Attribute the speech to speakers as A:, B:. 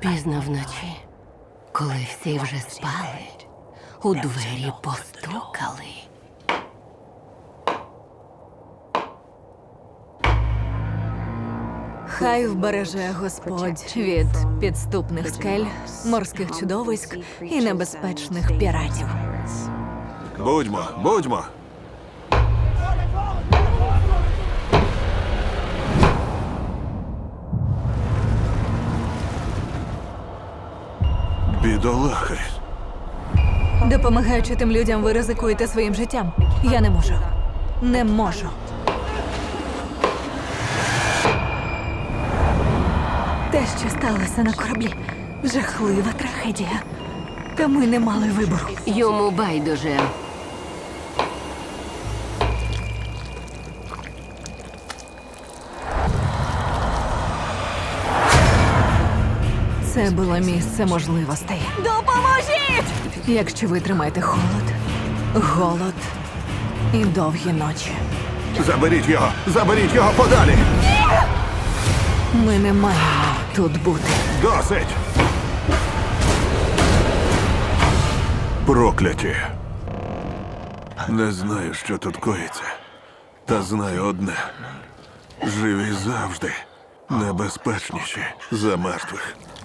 A: Пізно вночі, коли всі вже спали, у двері постукали.
B: Хай вбереже Господь від підступних скель, морських чудовиськ і небезпечних піратів.
C: Будьмо. Бідолахи.
B: Допомагаючи тим людям, ви ризикуєте своїм життям. Я не можу. Не можу. Те, що сталося на кораблі, жахлива трагедія. Та ми не мали вибору.
A: Йому байдуже.
B: Це було місце можливостей. Допоможіть! Якщо ви тримаєте холод, голод і довгі ночі.
C: Заберіть його подалі!
B: Ми не маємо тут бути.
C: Досить! Прокляті. Не знаю, що тут коїться. Та знаю одне. Живі завжди небезпечніші за мертвих.